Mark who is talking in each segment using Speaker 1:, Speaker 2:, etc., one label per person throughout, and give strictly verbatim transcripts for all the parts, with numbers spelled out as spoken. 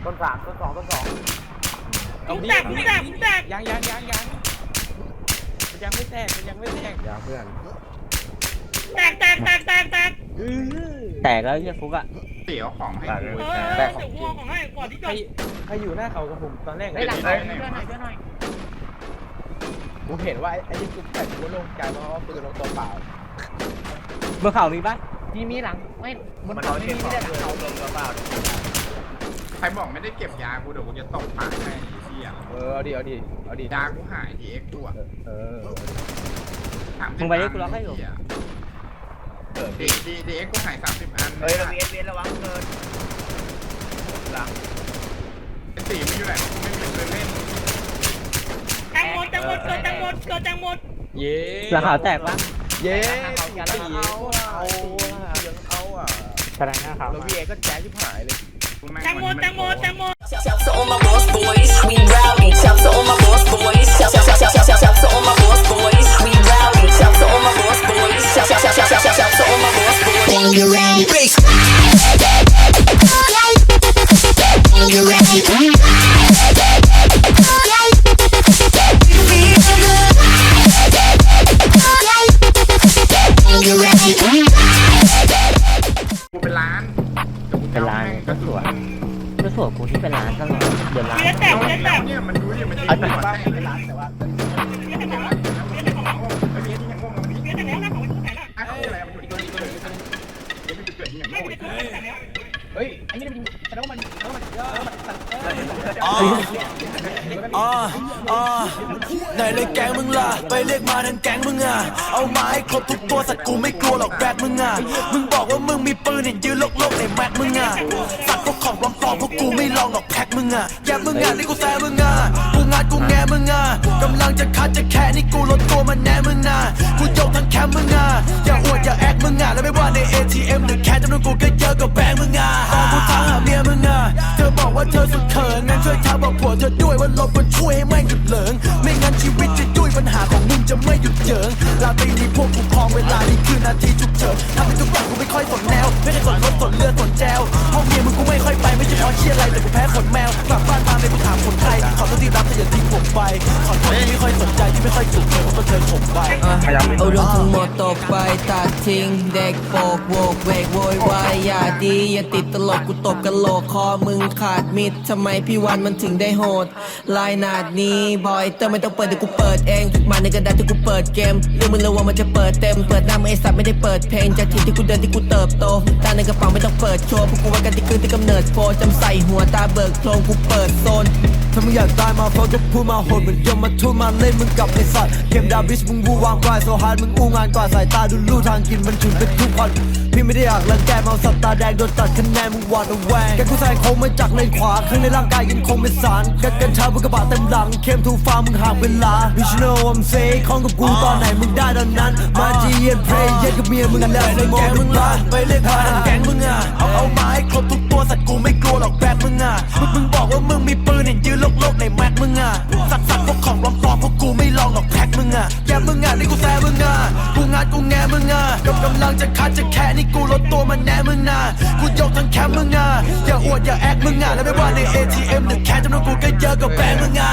Speaker 1: ต้นสามต้นสองต้นสอง
Speaker 2: เอาดิแตกแตกแตกยังยังยังยังมันยังไม่แตกมันยังไม่แตก
Speaker 1: อย่าเพื่อน
Speaker 2: แตกแตกแตกแตกแตก
Speaker 3: แตกแล้วเฮียฟุกอะ
Speaker 4: เตี๋ยวของให้กู
Speaker 2: เออเดี๋ยวกูเอาของให้ก่อนที่จะ
Speaker 1: ใครอยู่หน้าเขากับผมตอนแรก
Speaker 2: ไอ้หลังเลยเพื่อนหน่อยเพื่อนหน่อย
Speaker 1: กูเห็นว่าไอ้ที่กูแต่กูลงใจเพราะว่าปืนลงตัวเปล่า
Speaker 3: เมื่อเข่ามีปะ
Speaker 2: มีมีหลังไม่บนเขาไม่มีไม่ได้หลังเขาลงตัวเปล่า
Speaker 4: ใครบอกไม่ได้เก็บยากูเดี๋ยวกูจะตบปากให้เที่ย
Speaker 1: เออเอาดิเอาดิเอาดิ
Speaker 4: ยากูหายทีเอ็กตัว
Speaker 1: เออ
Speaker 3: มึงไปได้กูล็อกให้อยู่
Speaker 4: เออดีดีดีเอ็กกูหายสามสิบอัน
Speaker 1: เฮ้ยเราเวียนเวียนระวังเกินหลัง
Speaker 4: เป็นสีไม่อยู่ไหนกูไม่มีเลยเล่น
Speaker 2: แตงหมดแตงหมดเกิดแตงหมดเกิดแตงหมด
Speaker 1: เย้
Speaker 3: หลังขาวแตกปะ
Speaker 1: เย้เอาเอายังเอาอ่ะ
Speaker 3: แสดงหน้าขาว
Speaker 1: แล้ววีเอก็แจ๊ชิบหายเลย
Speaker 2: แตงหมดแตงหมดแตงหมด
Speaker 5: Shout to all my boss boys, we rowdy. Shout to all my boss boys. Shout shout shout shout shout shout to all my boss boys, we rowdy. Shout to all my boss boys. Shout shout shout shout shout shout to all my boss boys. When you ready, bass. When you ready, when you ready.
Speaker 4: กูเป็นล้าน
Speaker 3: เป็นร้านก็สวยก็สวยกูที่เป็นร้านตลอดเดือนร้าน
Speaker 2: เวียนแตกเวียนแตก
Speaker 4: เนี่ยมันดูดิมันจะ
Speaker 1: ไอ้เป็นบ้านเป็นร้านแต่ว่า
Speaker 2: เวียนแตกแล้วเวียนแตกของเวียนแตกแล้วนะของมันแตกแล้ว
Speaker 4: อะไรมันอยู่ที่ตัวนี้ตัวนี้เดี๋ยวมันจะเกิดอย่าง
Speaker 2: ไม่
Speaker 4: โง่
Speaker 2: เป็นไรแตกแล้ว
Speaker 1: เฮ้ยอันนี้มันแสดงว่ามันแล้วมันแล้วมัน
Speaker 6: อ๋ออ๋ออ๋อไหนเลยแก๊งมึงล่ะไปเรียกมาทั้งแก๊งมึงอ่ะเอามาให้ครบทุกตัวสัตว์กูไม่กลัวหรอกแบกมึงอ่ะมึงบอกว่ามึงมีปืนเห็นยืนโลกๆในแม็กมึงอ่ะสัตว์พวกของปลอมๆพวกกูไม่ลองหรอกแพ็กมึงอ่ะแกมึงอ่ะนี่กูแซ่มึงอ่ะกูงานกูแงมึงอ่ะกำลังจะคัดจะแค่นี่กูลดตัวมันแน่มึงอ่ะกูโยกทั้งแคมป์มึงอ่ะอย่าอวดอย่าแอคมึงอ่ะแล้วไม่ว่าใน เอ ที เอ็ม หรือแค่จำนวนกูก็เยอะกว่าแบงค์มึงอ่ะตอนกูถามหาเมียมึงอ่ะเธอบอกว่าเธอสุดเขินงั้นช่วยถามบอกผัวเธอด้วยว่าลบมันช่วยให้แม่งหยุดเหลิงไม่งั้นชีวิตจะยุ่ยปัญหาของมึงจะไม่หยุดเยิงลาตรีนี้พวกกูครองเวลานี่คือนาทีฉุกเฉินทำให้ทุกอย่างกูไม่ค่อยสนแนวไม่ได้สนรถสนเรือสนแจวห้องเมียมึงกูไม่ค่อยไปไม่ใช่เพราะเชี่ยอะไรแต่กูแพ้ขนแมวกลับบ้านมาไม่กูถามคนไทยขอโทษที่รับแต่อย่าทิ้งผมไปขอโทษที่ไม่ค่อยสนใจที่ไม่ค่อยจุกเธอเพราะเธอข่มไป
Speaker 7: เอาเรื่องทั้งหมดตกไปตัดทิ้งเด็กโปกโวกเวกโวยวายอย่าดีอย่าติดตลกกูตบกะโหลกคอมึงขาดมิดทำไมพี่วันมันถึงได้โหดลายนาดนี้บอยเติมไม่ต้องเปิดเดี๋ยวกูเปิดเองมาในกระดาษที่กูเปิดเกมเรื่องมึงระวังมันจะเปิดเต็มเปิดหน้ามึงไอสัตว์ไม่ได้เปิดเพลงจากที่ที่กูเดินที่กูเติบโตตาในกระเป๋าไม่ต้องเปิดโชว์พวกกูว่ากันที่คืนที่กำเนิดโฟจำใส่หัวตาเบิกโครงกูเปิดโซนถ้ามึงอยากตายมาเพราะก็พูดมาโหดเหมือนยมมาทุ่มมาเล่นมึงกับไอสัตว์เกมดาบิชมึงวูวางกว่าโซฮาร์ดมึงอู้งานกว่าสายตาดูลู่ทางกินมันถึงเป็นทุกคนพี่ไม่ได้อยากรังแกเมาสัตว์ตาแดงโดนตัดคะแนนมึงหวาดระแวงแกกูแซงโค้งมาจากเลนขวาข้างในร่างกายยังคงเป็นสารกันกันชาบนกระบะเต็มหลังเข้มทูฟ้ามึงห่างเวลา Bitch you know I'm saying ของกับกูตอนไหนมึงได้ตอนนั้นมาจีเย็นเพลย์เย็นกับเมียมึงกันแล้วในแกมึงล่ะไปเรียกมาแก๊งมึงอ่ะเอาเอามาให้ครบทุกตัวสัตว์กูไม่กลัวหรอกแบกมึงอ่ะมึงมึงบอกว่ามึงมีปืนเห็นยืนโลกๆในแม็กมึงอ่ะสัตว์สัตว์พวกของปลอมๆพวกกูไม่ลองหรอกแพ็กมึงอ่ะแกมึงอ่ะนี่กูแซ่มึงอ่ะกูงานกูแงมึงอ่ะกำกำลังจะคัดจะแค่นี่กูลดตัวมันแน่มึงอ่ะกูยกทั้งแคมป์มึงอ่ะอย่าอวดอย่าแอคมึงอ่ะแล้วไม่ว่าใน เอ ที เอ็ม หรือแค่จำนวนกูก็เยอะกว่าแบงค์มึงอ่ะ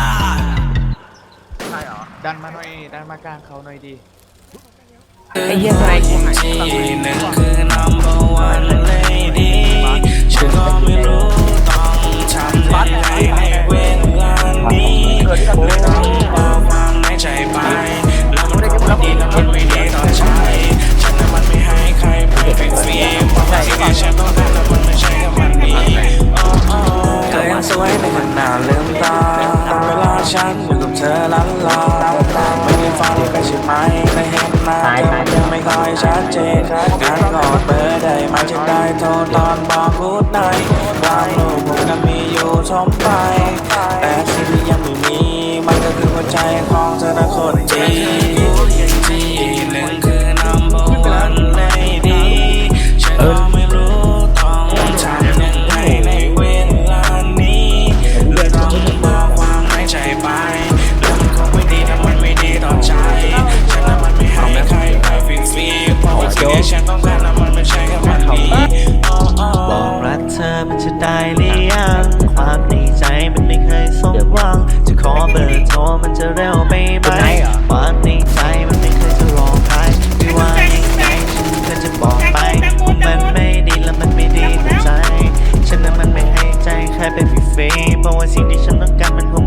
Speaker 1: ใช่เหรอดันมาหน่อยดันมากลางเขาหน่อยดี
Speaker 3: ไอ้เหี้ยไอ้
Speaker 6: ที่หนึ่งคือ number one lady ฉันก็ไม่รู้ต้องทำยังไงในเวลานี้ไม่ต้องบอกความในใจไปแล้วมันก็ไม่ดีแล้วมันไม่ดีต่อใจฉันนั้นมันไม่ให้ใครไปเป็นฟรีเพราะสิ่งที่ฉันต้องการแล้วมันไม่ใช่กับมันดีเธอยังสวยในขณะลืมตาเวลาฉันอยู่กับเธอล้านลาไม่ได้ฟังกันใช่ไหมไม่เห็นหน้าเธอยังไม่ค่อยชัดเจนการกอดเบอร์ได้มาจึงได้โทรตอนบอกกูดไนท์ความรู้ผมก็มีอยู่ทมไปแต่สิ่งที่ยังไม่มีมันก็คือหัวใจของเธอนะคนจริงที่หนึ่งคือ number one lady ฉันก็ไม่รู้ต้องทำยังไงในเวลานี้ไม่ต้องบอกความในใจไปแล้วมันคงไม่ดีถ้ามันไม่ดีต่อใจฉันนั้นมันไม่ให้ใครไปฟรีๆเพราะว่าสิ่งที่ฉันต้องการนั้นมันไม่ใช่แค่มันดีบอกรักเธอมันจะได้หรือยังมันจะเร็วไปไหมความในใจมันไม่เคยจะรอใครไม่ว่ายังไงฉันก็จะบอกไปมันไม่ดีและมันไม่ดีกับใจฉันนั้นมันไม่ให้ใจใครไปฟรีๆเพราะว่าสิ่งที่ฉันต้องการมันคง